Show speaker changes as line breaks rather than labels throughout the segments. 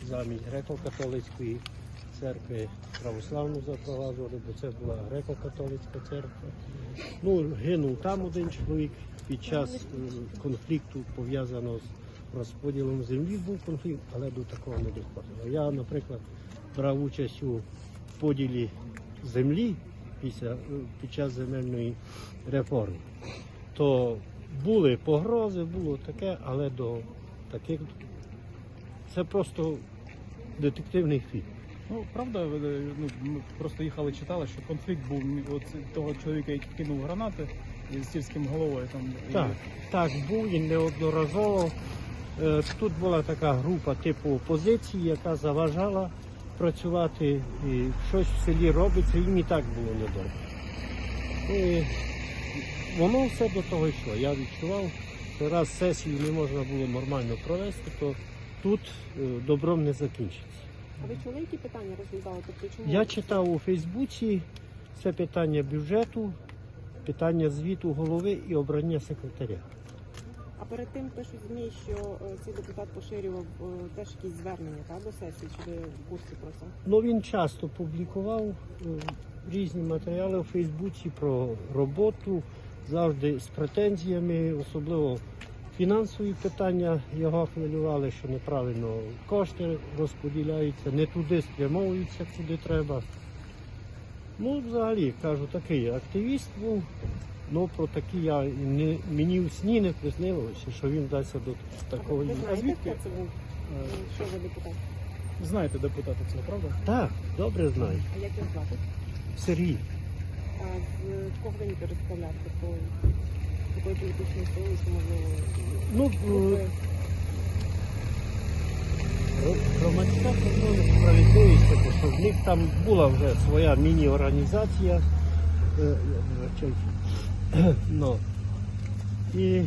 замість греко-католицької церкви православну запроваджували, бо це була греко-католицька церква. Ну, гинув там один чоловік під час конфлікту, пов'язаного з розподілом землі, був конфлікт, але до такого не доходило. Я, наприклад, брав участь у поділі землі під час земельної реформи. То були погрози, було таке, але до таких це просто детективний фільм.
Ну, правда, ми просто їхали, читали, що конфлікт був от того чоловіка, який кинув гранати з сільським головою.
Так, був і неодноразово. Тут була така група типу опозиції, яка заважала працювати, і щось в селі робиться, їм і так було недобре. І воно все до того йшло. Я відчував, що раз сесію не можна було нормально провести, то тут добром не закінчиться.
А ви чули, які питання розглядали? Тобто, чому?
Я читав у Фейсбуці, це питання бюджету, питання звіту голови і обрання секретаря.
А перед тим пишуть ЗМІ, що цей депутат поширював теж якісь звернення до сесії, чи ви в курсі про це?
Ну, він часто публікував різні матеріали у Фейсбуці про роботу, завжди з претензіями, особливо фінансові питання його хвилювали, що неправильно кошти розподіляються, не туди спрямовуються, куди треба. Ну, взагалі, кажу, такий активіст був, але про такі мені в сні не приснилося, що він вдасться до такого.
Ви знаєте,
звідки?
хто це був? Що за депутат?
Знаєте депутата цього, правда?
Так, добре знаю.
А як його звати?
Сергій.
А з кого він представляв? Тобто, такої політичної сили, що можливо...
Ну,
групи?
громадська контроль справедливість, тому що в них там була вже своя міні-організація. І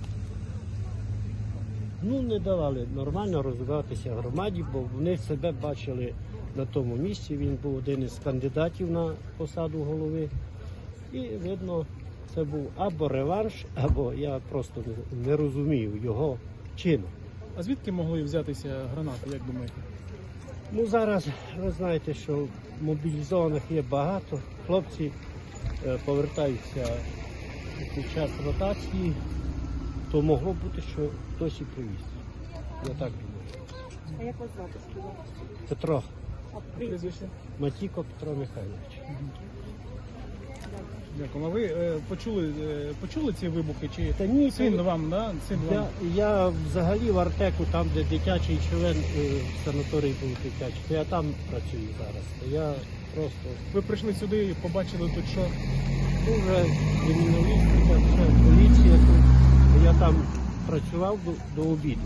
не давали нормально розвиватися громаді, бо вони себе бачили на тому місці. Він був один із кандидатів на посаду голови. І видно, це був або реванш, або я просто не розумію його чину.
А звідки могли взятися гранати, як думаєте?
Ну, зараз ви знаєте, що мобілізованих є багато. Хлопці повертаються під час ротації, то могло бути, що хтось і привіз. Я так думаю.
А як вас звати, сказав?
Петро,
А прізвище?
Прізвище?
Матіко Петро Михайлович.
Дякую. А ви почули ці вибухи? Чи
Та ні,
син вам, да? Син вам?
Я взагалі в Артеку, там де дитячий член санаторій був дитячий, то я там працюю зараз. То я просто
Ви прийшли сюди і побачили тут що?
дуже криміналістика, все, поліція тут. Я там працював до обіду.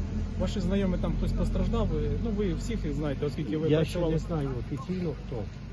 Ваші знайомі там хтось постраждав? Ви всіх їх знаєте, оскільки ви
Я ще
працювали.
не знаю офіційно хто.